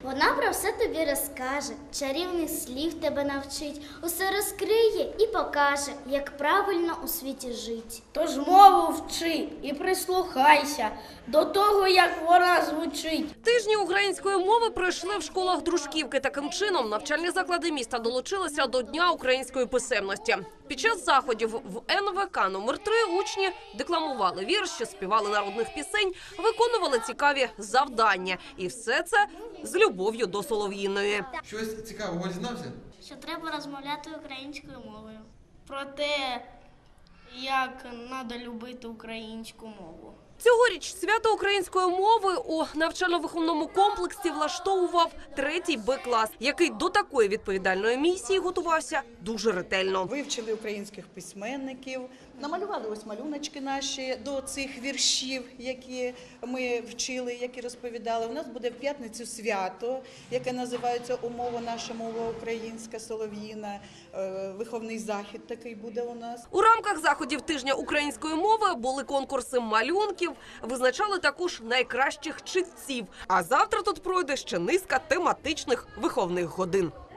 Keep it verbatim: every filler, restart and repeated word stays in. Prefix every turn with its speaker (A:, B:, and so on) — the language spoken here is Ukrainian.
A: Вона про все тобі розкаже, чарівних слів тебе навчить, усе розкриє і покаже, як правильно у світі жить.
B: Тож мову вчи і прислухайся до того, як вона звучить.
C: Тижні української мови пройшли в школах Дружківки. Таким чином, навчальні заклади міста долучилися до Дня української писемності. Під час заходів в ен ве ка номер три учні декламували вірші, співали народних пісень, виконували цікаві завдання. І все це з любов'ю до Солов'їної.
D: Щось цікавого дізнався?
B: Що треба розмовляти українською мовою. Про те, як треба любити українську мову.
C: Цьогоріч свято української мови у навчально-виховному комплексі влаштовував третій Б-клас, який до такої відповідальної місії готувався дуже ретельно.
E: Вивчили українських письменників, намалювали ось малюночки наші до цих віршів, які ми вчили, які розповідали. У нас буде в п'ятницю свято, яке називається «Умова наша мова українська, солов'їна». Виховний захід такий буде у нас.
C: У рамках заходів тижня української мови були конкурси малюнків, визначали також найкращих читців. А завтра тут пройде ще низка тематичних виховних годин.